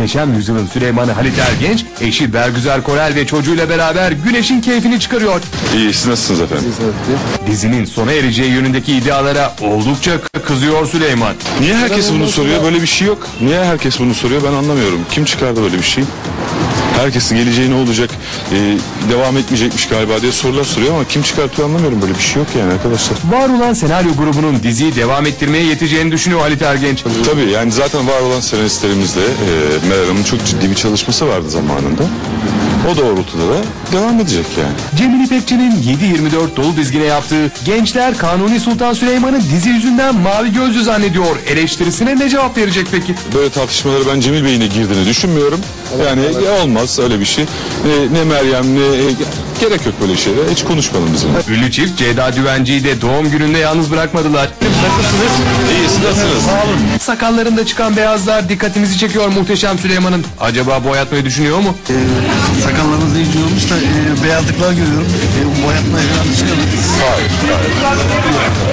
Muhteşem Yüzyılın Süleyman'ı Halit Ergenç, eşi Bergüzar Korel ve çocuğuyla beraber Güneş'in keyfini çıkarıyor. İyi, siz nasılsınız efendim? Dizinin sona ereceği yönündeki iddialara oldukça kızıyor Süleyman. Niye herkes bunu soruyor? Böyle bir şey yok. Niye herkes bunu soruyor? Ben anlamıyorum. Kim çıkardı böyle bir şey? Herkesin geleceği ne olacak, devam etmeyecekmiş galiba diye sorular soruyor ama kim çıkartıyor anlamıyorum. Böyle bir şey yok yani arkadaşlar. Var olan senaryo grubunun diziyi devam ettirmeye yeteceğini düşünüyor Halit Ergenç. Tabii yani zaten var olan senaristlerimizle Meral Hanım'ın çok ciddi bir çalışması vardı zamanında. O doğrultuda da devam edecek yani. Cemil İpekçi'nin 7/24 dolu dizgine yaptığı "Gençler Kanuni Sultan Süleyman'ı dizi yüzünden mavi gözlü zannediyor" eleştirisine ne cevap verecek peki? Böyle tartışmaları ben Cemil Bey'in de girdiğini düşünmüyorum. Yani olmaz öyle bir şey. Ne Meryem ne gerek yok böyle şeyler. Hiç konuşmayalım bizim. Ünlü çift Ceyda Düvenci'yi de doğum gününde yalnız bırakmadılar. Nasılsınız? İyi, nasılsınız? Sağ olun. Sakallarında çıkan beyazlar dikkatimizi çekiyor Muhteşem Süleyman'ın. Acaba boyatmayı düşünüyor mu? Sakallarınız iyice olmuş da beyazlıklar görüyorum. Boyatmaya falan çıkalım. Hayır.